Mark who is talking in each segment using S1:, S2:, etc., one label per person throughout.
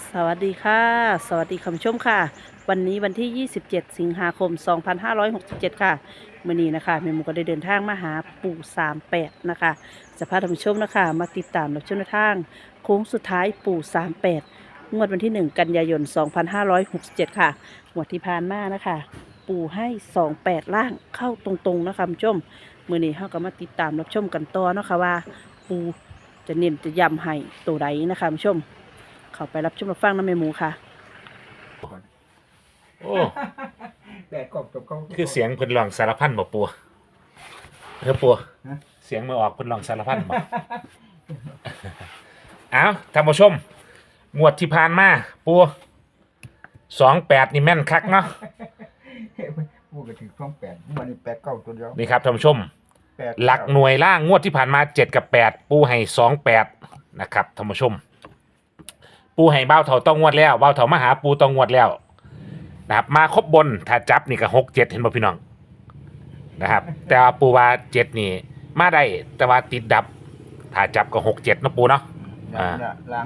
S1: สวัสดีค่ะสวัสดีคุณผู้ชมค่ะวันนี้วันที่ 27 สิงหาคม 2567 ค่ะมื่อนี้นะคะแม่หมูก็ได้เดินทางมาหาปู่38นะคะจะพาท่านผู้ชมนะคะมาติดตามรับชมแนวทางโค้งสุดท้ายปู่38งวดวันที่ 1 กันยายน 2567 ค่ะงวดที่ผ่านมานะคะปู่ให้28ล่างเข้าตรงๆนะคะคุณผู้ชมมื่อนี้เราก็มาติดตามรับชมกันต่อเนาะค่ะว่าปู่จะเน้นจะย้ำให้ตัวใดนะคะคุณผู้ชม เข้าไปรับชมรับฟังน้ำแม่หมูค่ะ
S2: โอ้
S3: แต่กบกับเขา
S2: คือเสียงเพิ่นร้องสารพันบ่ปัวปัวเสียงมือออกเพิ่นร้องสารพันบ่ เอาท่านผู้ชมงวดที่ผ่านมาปัว28นี่แม่นคักเนาะ
S3: พูดกันถึง28วันนี้8 9ตัวเดียว
S2: นี่ครับท่านผู้ชม
S3: 8
S2: หลักหน่วยล่างงวดที่ผ่านมา7กับ8ปูให้28นะครับท่านผู้ชมปูให้เบ้าเถาต้องงวดแล้วเบ้าเถามาหาปูต้องงวดแล้วนะครับมาครบบนถ้าจับนี่ก็6 7เห็นบ่พี่น้องนะครับแต่ว่าปูว่า7นี่มาได้แต่ว่าติดดับถ้าจับก็6 7เนาะปูเนาะ
S3: ล้าง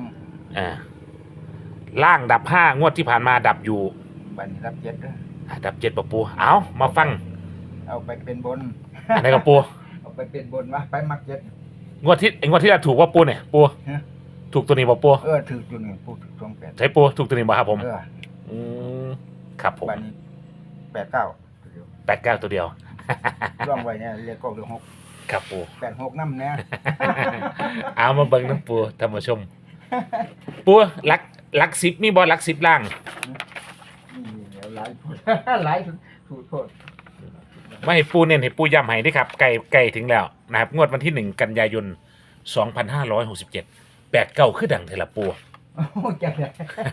S2: ล่างดับ5งวดที่ผ่านมาดับอยู่
S3: บันรับ7เด้อ
S2: ดับ7บ่ปูเอามาฟัง
S3: เอาไปเป็นบน
S2: อันไหนกับปู
S3: เอาไปเป็นบนวะไปมัก7
S2: งวดที่เราถูกว่าปูเนี่ยปูถูกตัวนี้บ่ปู
S3: ถือตัวนี้พูดถึง28
S2: ใช่ปูถูกตัวนี้บ่ครับผม
S3: อืม
S2: ครับผม
S3: บันนี้8 9ตัวเดียว
S2: 89ตัวเดียว
S3: ร่องไว้เนี่ยเรียกก็เรื่อง
S2: ครับปู
S3: 6 8 6นำแน่
S2: เอามาเบิ่งน้ำปูท่านผู้ชม ปูลัก10มีบ่ลัก10ล่าง
S3: นี่เดี๋ยวหลายพูดหลายถูกโทษ
S2: ไม่ให้ปูเน้นให้ปูย้ำให้ด้วยครับใกล้ถึงแล้วนะครับงวดวันที่1กันยายน2567 89คือดังเทละปู
S3: โอ้จังได๋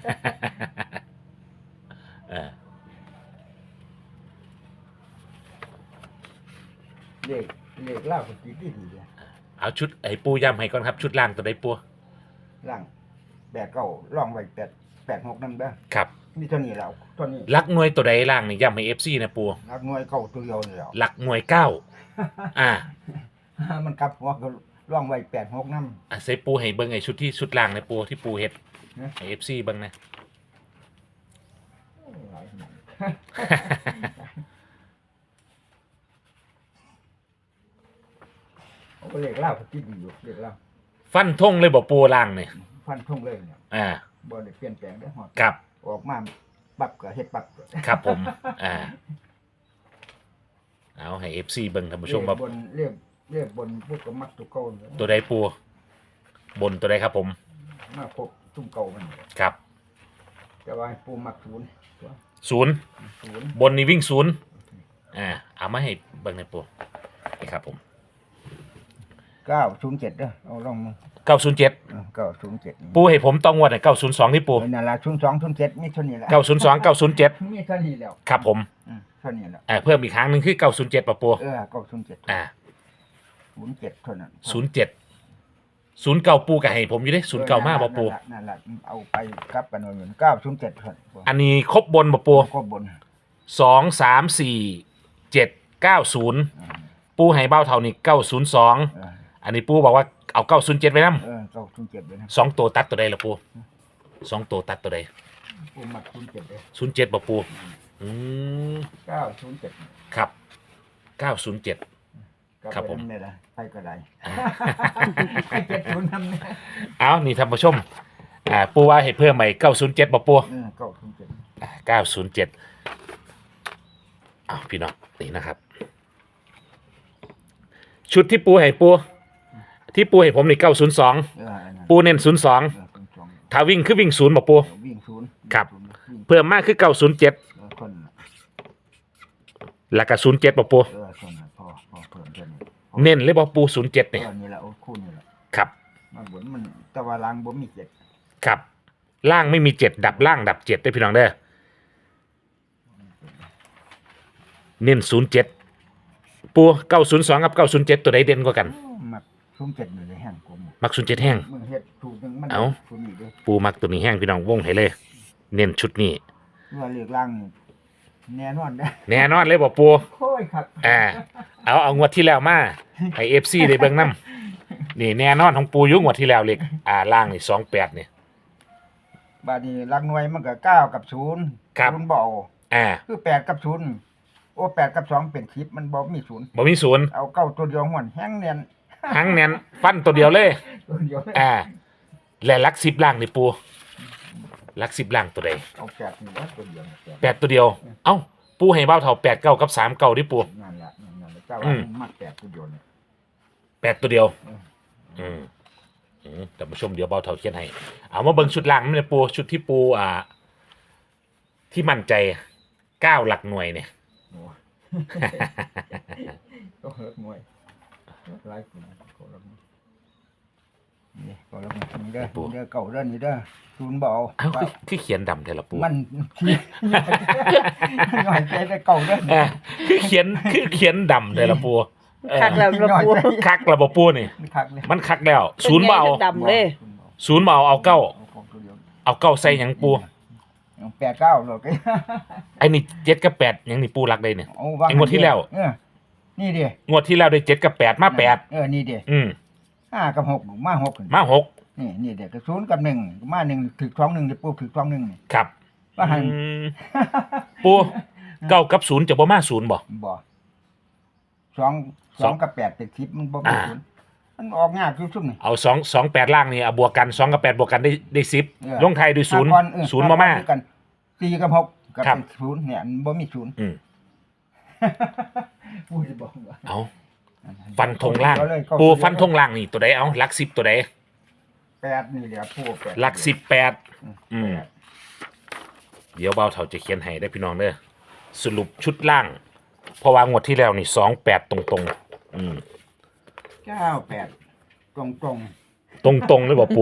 S2: เออ
S3: เลขล่าก็ติดดีๆเลย
S2: เอาชุดไอ้ปูย้ำให้ก่อนครับชุดล่างตัวใดปู
S3: ล่าง8 9ร่องไว้8 6นำเด้อ
S2: ครับ
S3: นี่เท่านี้แล้วตัวนี้
S2: ลักหน่วยตัวใดล่างนี่ย้ำให้ FC นะปู
S3: นักหน่วยเข้าตัวเดียวนี่แล้ว
S2: หลักหน่วย9อ่า
S3: มันกลับหัวก็ร่องไว้8 6นำ
S2: ใส่ปูให้เบิ่งไอ้ชุดล่างในปูที่ปูเฮ็ด
S3: นะ
S2: ให้ FC เบิ่งนะ
S3: เอาไปเลขล่าก็ติดดีอยู่เลขล่า
S2: ฟันธงเลยบ่ปูล่างนี่
S3: ฟันทุ่งเลยเนี่ย
S2: อ่า
S3: บ่ได้เปลี่ยนแปลงได้ฮอด
S2: ครับ
S3: ออกมาปักก็เฮ็ดปัก
S2: ครับผม เอาให้ FC เบิ่งท่านผู้ชมว่า
S3: บนเรียกบนพวกก็มักตัวเก่าเลย
S2: ตัวใดปูบนตัวใดครับผม
S3: มาครบซุ่มเก่ามัน
S2: ครับ
S3: แต่ว่าให้ปูมักศูนย์ตัว
S2: 0
S3: ศูนย์
S2: บนนี่วิ่ง0เอามาให้เบิ่งในปูนี่ครับผม
S3: 907เด้อเอาลองมา
S2: 907
S3: 907
S2: ปูให้ผมต้องงวดให้902ที่ปู
S3: นั่นล่ะ02 07มีเท่านี้แหละ
S2: 902 907
S3: มีเท่านี้แล้ว
S2: ครับผม
S3: เท่านี้แล้ว
S2: เพิ่มอีกครั้งหนึงคือ907ป่ะปู
S3: 907
S2: อ่า
S3: 07เท่านั้น
S2: 07 09ปูก็ให้ผมอยู่เด้09มาบ่ปู
S3: นั่นล่ะเอาไปกลับกันไว้เหมือน907เท่านั้น
S2: อันนี้ครบบนบ่ปู
S3: ก็บน
S2: 2 3 4 7 90ปูให้เบ้าเท่านี้902อันนี้ปูบอกว่าเอา907ไว้นำ
S3: 907เลยนะ
S2: 2ตัวตัดตัวใดล่ะปู2ตัวตัดตัวใด
S3: ปูมัก07เลย
S2: 07บ่ปูอืม
S3: 907
S2: ครับ907 ครับผม
S3: นี่ล่ะไปก็ได้70นำนะ
S2: เอานี่ท่านผู้ชมปูว่าให้เพิ่มใหม่907บ่ปู 907อ้าวพี่น้องนี่นะครับ ชุดที่ปูให้ปูที่ปูให้ผมนี่902ปูเน้น02ถ้าวิ่งคือวิ่ง0บ่ปู
S3: วิ่งศูนย์
S2: ครับ เพิ่มมากคือ907
S3: คน
S2: แล้วก็07บ่ปู
S3: คนพอเพิ่มเท่านี้
S2: เน้นเลยบ่ปู07นี่
S3: นี่แหละคู่นี่แหละ
S2: ครับ
S3: มาบนมันแต่ว่าล้างบ่มี7
S2: ครับล่างไม่มี7ดับล่างดับ7ได้อพี่น้องเด้อเน้น07ปู902กับ907ตัวใดเด่นกว่ากัน
S3: มัก07อยู่ในแห้งกู
S2: มัก07แห้ง
S3: มึงเฮ็ดถูกนึงมัน
S2: เอ้า
S3: ถูกนี่เด้
S2: ปูมักตัวนี้แห้งพี่น้องวงให้เลย เน้นชุดนี้
S3: ว่าเรียกล้างนี่แน่นอนนะ
S2: แน่นอนเลยบ่ปู
S3: โอ้ยครับ
S2: เอางวดที่แล้วมาให้ FC ได้เบิ่งนํนี่แน่นอนของปูอยู่งวดที่แล้วเลขล่างนี่28นี่
S3: บบาดนี้หลักหน่วยมันก็9กับ0
S2: ครับ
S3: 0บ่เอา
S2: อ่า
S3: คือ8กับ0โอ้8กับ2เป็น10มันบ่มี0
S2: บ่มีศูนย์
S3: เอาเก้าตัวเดียวหวนแห้งเนียน
S2: หังแน่นฟันตัวเดียวเลย
S3: ตัวเดียว
S2: อ่า และหลักสิบล่างนี่ปูหลักสิบล่างตัวใด
S3: เอา8นี่ว่าตัวเดียว
S2: แปดตัวเดียว เอ้า ปูให้เบ้าเท่า8 9กับ3 9ดิปู
S3: นั่นแหละเจ้า
S2: อื
S3: ว่าม มัก8ตัวเดียวเนี่ย
S2: 8ตัวเดียว
S3: อืม
S2: แต่มาชมเดี๋ยวเบ้าเท่าเขียนให้ เอามาเบิ่งชุดล่างนี่ปูชุดที่ปูที่มั่นใจ9หลักหน่วยเนี่ย
S3: โอ้ก็เฮิร์ตมวยไล่คนก็รับนี่ก็รับนี่เด้อเก่าเด้อนี่เด้อศูนย์เบา
S2: เอ้าคือเขียนดำแต่ละปู
S3: มันที่หน่อยใจได้เก่าเด้อ
S2: คือเขียนดำแต่ละปู
S1: คักแล้วบ่ปู
S2: คักระบบปูนี่
S3: คักเลย
S2: มันคักแล้วศูนย์เบา
S1: ดำเลย
S2: ศูนย์เบาเอาเก้า
S3: ของตัวเดียว
S2: เอาเก้าใส่หยังปู
S3: 8 9หรอก
S2: ไอ้นี่7กับ8หยังนี่ปูรักได้เนี่ย
S3: เอาว่า
S2: ไอ้งวดที่แล้ว
S3: นี่ดิ
S2: งวดที่แล้วได้7กับ8มา8
S3: นี่ดิ 5กับ6มา6
S2: มา6
S3: นี่เด็กก็0กับ1มา1ถึก2 1เดี๋ยวปุ๊บถึก2 1นี่
S2: ครับ
S3: ว่าหัน
S2: ปูเก้ากับ0จะบ่มา0บ่
S3: บ่2กับ8เป็น10มันบ่เป็น0มันออกยากอยู่ซุ่มนี่
S2: เอา2 8ล่างนี่เอาบวกกัน2กับ8บวกกันได้10ลงไทยด้วย0 0บ่มา
S3: กัน4กับ6ก็
S2: ครับ
S3: เป็น0เนี่ยมันบ่มี0 พูดบอกว่า
S2: เอาฟันธงล่าง ปูฟันธงล่างนี่ตัวใดเอาหลัก10ตัวใด
S3: 8นี่แหละผู้8
S2: หลัก18เดี๋ยวเบาเท่าจะเขียนให้ได้พี่น้องเด้อสรุปชุดล่าง เพราะว่างวดที่แล้วนี่28ตรงๆ
S3: 98ตรง
S2: ตรงๆเลยบ่ปู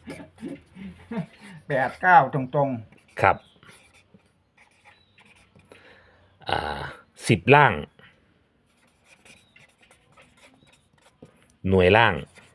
S3: ๆ89ตรงๆ
S2: ครับ10ล่าง หน่วยล่าง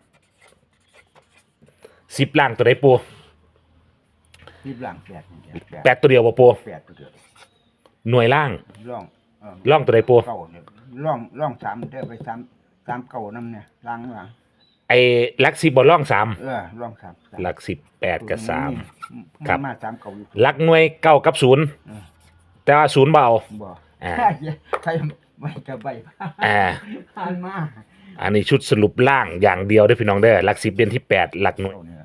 S2: 10ล่างตัวใดปู
S3: รีบหลัง
S2: 8ตัวเดียวบ่ปู
S3: 8ตัวเดียว
S2: หน่วยล่าง
S3: ร่อง
S2: ล่องตัวใดปู
S3: เก่าเนี่ยร่อง3เด้อไป3เก่านำเนี่ยล้างหลัง
S2: ไอ้หลัก10บ่ล่อง3
S3: ร่อง3
S2: หลัก10 8กับ3 ครับ
S3: มา3เก่าอยู่
S2: หลักหน่วย9กับ0แต่ว่า0บ่เอา
S3: บ่
S2: อ่า
S3: ใครไม่จะใบ ผ่านมา
S2: อันนี้ชุดสรุปล่างอย่างเดียวเด้อพี่น้องเด้อหลัก10เดือนที่8หลักหน่วย
S3: เนี่ย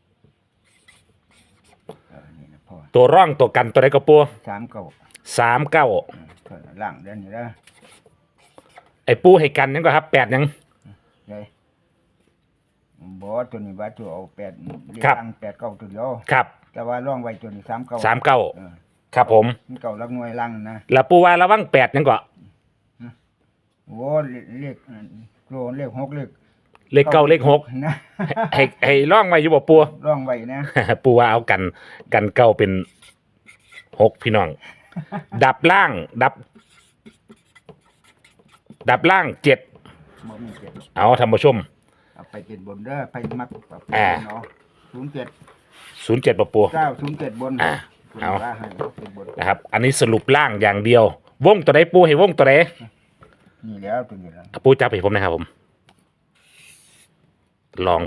S3: นี่นะพ่อ
S2: ตัวร่องตัวกันตัวใดก็ปู
S3: 3เก่า
S2: 39
S3: ล่างเด้อนี่เด้อ
S2: ไอ้ปูให้กันยังก็ครับ8ยัง
S3: ไงบ่ตัวนี้ว่าตัวเอา8เรียก
S2: ครับ
S3: ตั้ง8เก่าตัวเดียว
S2: ครับ
S3: แต่ว่าร่องไว้ตัวนี้3เก่า
S2: 39ครับผม
S3: มันเก่าลักหน่วยล่างนะ
S2: แล้วปูว่าระวัง8ยังก็
S3: โอ้เลขโลเลข6เลข
S2: เลข9เลข6
S3: นะ
S2: ให้ร่องไว้อยู่บ่ปู
S3: ร่องไว้นะ
S2: ปูว่าเอากันเก้าเป็น6พี่น้อง ดับล่างดับล่าง7
S3: บ่มีเจ็ด
S2: เอาท่านผู้ชม
S3: เอาไปเป็นบนเด้อไปมักเอาไป
S2: อ่า
S3: เนาะ07
S2: 07บ่ปู
S3: 907บน
S2: เอา
S3: ว่าให้เป็นบน
S2: นะครับ อันนี้สรุปล่างอย่างเดียว วงตัวใดปูให้วงตัวใด
S3: นี่แล้วตัวนี้แล้ว
S2: ปูจับให้ผมนะครับผมลอง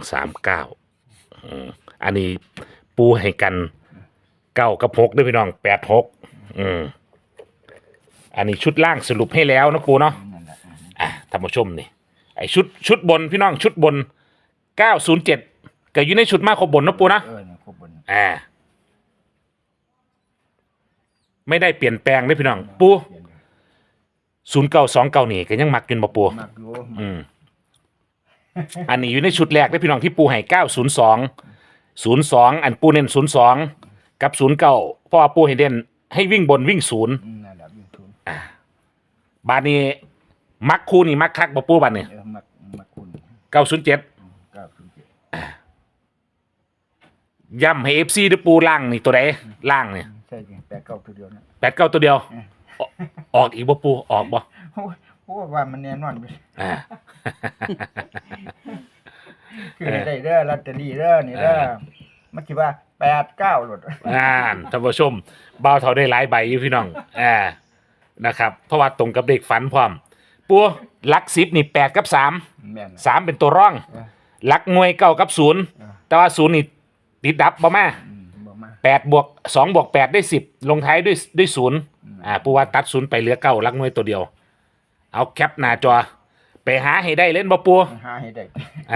S2: 39อันนี้ปูให้กัน9กับ6ด้วยพี่น้อง86อันนี้ชุดล่างสรุปให้แล้วนะปูเนาะ
S3: นั่นแหละ
S2: ท่านผู้ชมนี่ไอชุดบนพี่น้องชุดบน907ก็อยู่ในชุดมาครบบนนะปูนะ
S3: เนี่ยครบบน
S2: ไม่ได้เปลี่ยนแปลงเลยพี่น้องปู0929นี่ก็ยังมักกินบ่ปู
S3: มักอยู่
S2: อันนี้อยู่ในชุดแรกเลยพี่น้องที่ปูให้902อันปูเน้น02กับ09เพราะว่าปูให้เด่นให้วิ่งบนวิ่ง0
S3: นั่นแหละวิ่งทุน
S2: บาดนี้มักคู่นี่มักคักบ่ปูบาดนี้
S3: มักคุณ
S2: 907
S3: 907
S2: ย้ำให้ FC ด้วยปูล่างนี่ตัวใดล่างนี่
S3: ใช่จริง8 9ตัวเดียวนะ
S2: 89ตัวเดียวออกอีกบ่ปูออกบ่
S3: โอ้ว่ามันแน่นอนไป
S2: อ่า
S3: คือได้เด้อลอตเตอรี่เด้อนี่เด้อมันคิดว่า8 9หลด
S2: ท่านผู้ชมบ่าวเท่าได้หลายใบอยู่พี่น้องนะครับเพราะว่าตรงกับเด็กฝันพร้อมปูหลัก10นี่8กับ3
S3: แม่น
S2: 3เป็นตัวร่องหลักหน่วย9กับ0แต่ว่า0นี่ติดดับบ่มา
S3: บ่มา
S2: 8บวก2บวก8ได้10ลงท้ายด้วย0ปูว่าตัด0ไปเหลือ9หลักหน่วยตัวเดียวเอาแคปหน้าจอไปหาให้ได้เล่นบ่ปู
S3: หาให้ได้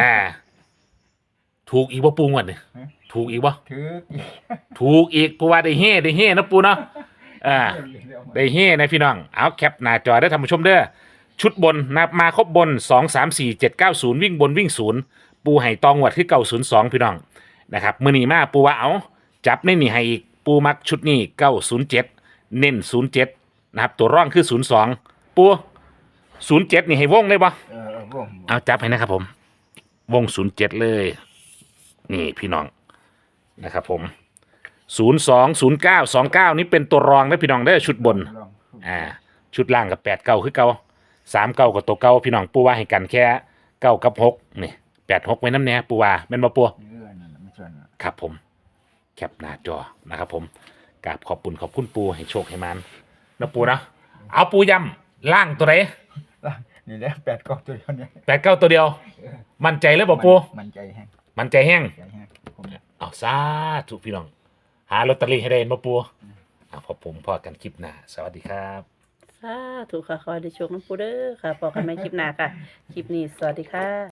S2: ถูกอีกบ่ปูงวดนี่
S3: ฮะ
S2: ถูกอีกบ่
S3: ถืออีก
S2: ถูกอีกปูว่าได้เฮ่นะปูเนาะได้เฮ่นะพี่น้องเอาแคปหน้าจอได้อท่านผู้ชมเด้อชุดบนนับมาครบบน2 3 4 7 9 0วิ่งบนวิ่ง0ปูให้ตองวดคือ902พี่น้องนะครับมื้อนี้มาปูว่าเอาจับในนี่ให้อีกปูมักชุดนี้907เน้น07นะครับตัวร่องคือ02ปู07นี่ให้วงเลยบ่
S3: วง
S2: เอาจับให้นะครับผมวง07เลยนี่พี่น้องนะครับผม02 09 29นี่เป็นตัวรองนะพี่น้องเด้อชุดบน
S3: ลอง
S2: ชุดล่างกับ8เก้าคือเก่า3เก้ากับตัวเก่าพี่น้องปูว่าให้กันแค่9กับ6นี่8 6ไว้น้ำแน่ปูว่าแม่นบ่ปู
S3: นั่นไม่ส่วน
S2: ครับผมแคปหน้าจอนะครับผมกราบขอบคุณปูให้โชคให้มันนะปูนะเอาปูย้ำล่างตัวไหน
S3: นี่แหละ8ก็ตัวเดียวเนี่ย
S2: 8 9ตัวเดียว มั่นใจเลยบ่ปู
S3: มันใจแห้ง
S2: มั่นใจแห้ง
S3: ใจแห้งผม
S2: เอาซาถูกพี่น้องหาลอตเตอรี่ให้ได้เห็นบ่ปูพอผมพอกันคลิปหน้าสวัสดีครับ
S1: ถูกค่ะคอยได้โชคน้ำปูเด้อค่ะพอกันไหมคลิปหน้าค่ะ คลิปนี้สวัสดีค่ะ